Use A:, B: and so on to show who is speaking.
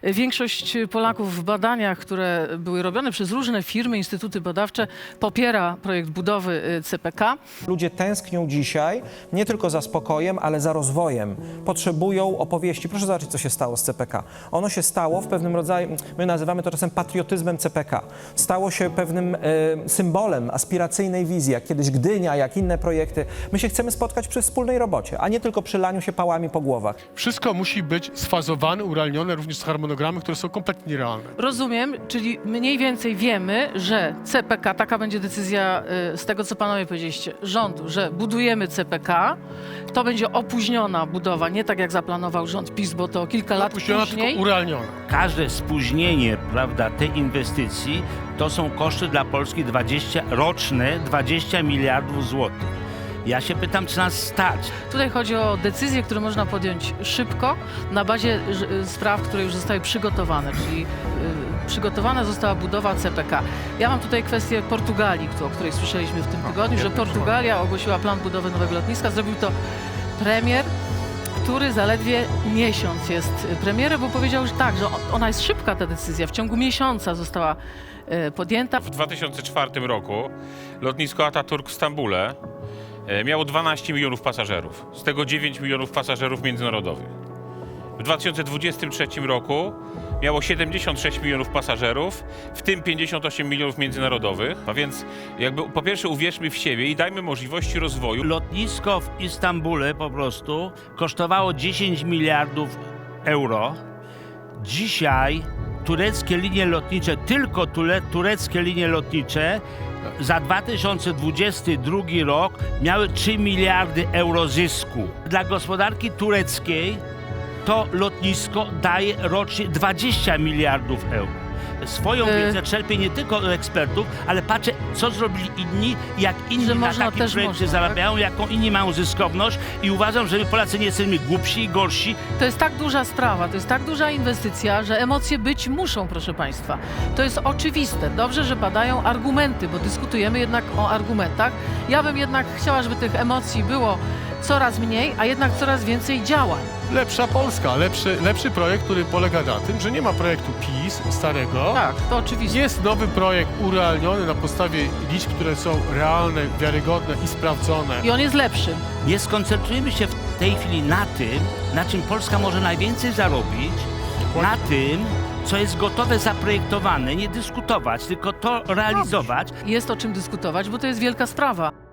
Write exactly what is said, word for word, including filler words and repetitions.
A: Większość Polaków w badaniach, które były robione przez różne firmy, instytuty badawcze, popiera projekt budowy C P K.
B: Ludzie tęsknią dzisiaj nie tylko za spokojem, ale za rozwojem. Potrzebują opowieści. Proszę zobaczyć, co się stało z C P K. Ono się stało w pewnym rodzaju, my nazywamy to czasem patriotyzmem C P K. Stało się pewnym e, symbolem aspiracyjnej wizji, jak kiedyś Gdynia, jak inne projekty. My się chcemy spotkać przy wspólnej robocie, a nie tylko przy laniu się pałami po głowach.
C: Wszystko musi być sfazowane, urealnione, również z harmonogramy, które są kompletnie nierealne.
A: Rozumiem, czyli mniej więcej wiemy, że C P K, taka będzie decyzja y, z tego, co panowie powiedzieliście, rządu, że budujemy C P K, to będzie opóźniona budowa, nie tak jak zaplanował rząd PiS, bo to kilka lat
C: Opóźniona,
A: później.
C: tylko urealniona.
D: Każde spóźnienie, prawda, tej inwestycji to są koszty dla Polski dwadzieścia, roczne dwadzieścia miliardów złotych. Ja się pytam, czy nas stać.
A: Tutaj chodzi o decyzje, które można podjąć szybko na bazie y, spraw, które już zostały przygotowane, czyli y, przygotowana została budowa C P K. Ja mam tutaj kwestię Portugalii, o której słyszeliśmy w tym tygodniu, że Portugalia ogłosiła plan budowy nowego lotniska. Zrobił to premier, który zaledwie miesiąc jest premierem, bo powiedział, że tak, że ona jest szybka, ta decyzja. W ciągu miesiąca została y, podjęta.
E: W dwa tysiące czwartym roku lotnisko Atatürk w Stambule miało dwanaście milionów pasażerów, z tego dziewięć milionów pasażerów międzynarodowych. W dwa tysiące dwudziestym trzecim roku miało siedemdziesiąt sześć milionów pasażerów, w tym pięćdziesiąt osiem milionów międzynarodowych. A więc jakby po pierwsze uwierzmy w siebie i dajmy możliwości rozwoju.
D: Lotnisko w Istambule po prostu kosztowało dziesięć miliardów euro. Dzisiaj tureckie linie lotnicze, tylko ture, tureckie linie lotnicze za dwa tysiące dwudziesty drugi rok miały trzy miliardy euro zysku. Dla gospodarki tureckiej to lotnisko daje rocznie dwadzieścia miliardów euro. Swoją
A: Y-
D: wiedzę czerpię nie tylko od ekspertów, ale patrzę, co zrobili inni i jak inni
A: Że
D: na
A: można,
D: takim
A: też
D: projekcie
A: można, tak?
D: zarabiają, jaką inni mają zyskowność i uważam, że my Polacy nie jesteśmy głupsi i gorsi.
A: To jest tak duża sprawa, to jest tak duża inwestycja, że emocje być muszą, proszę państwa. To jest oczywiste. Dobrze, że padają argumenty, bo dyskutujemy jednak o argumentach. Ja bym jednak chciała, żeby tych emocji było coraz mniej, a jednak coraz więcej działań.
C: Lepsza Polska, lepszy, lepszy projekt, który polega na tym, że nie ma projektu PiS starego.
A: Tak, to oczywiste.
C: Jest nowy projekt urealniony na podstawie liczb, które są realne, wiarygodne i sprawdzone.
A: I on jest lepszy.
D: Nie skoncentrujemy się w tej chwili na tym, na czym Polska może najwięcej zarobić, na tym, co jest gotowe, zaprojektowane, nie dyskutować, tylko to realizować.
A: Jest o czym dyskutować, bo to jest wielka sprawa.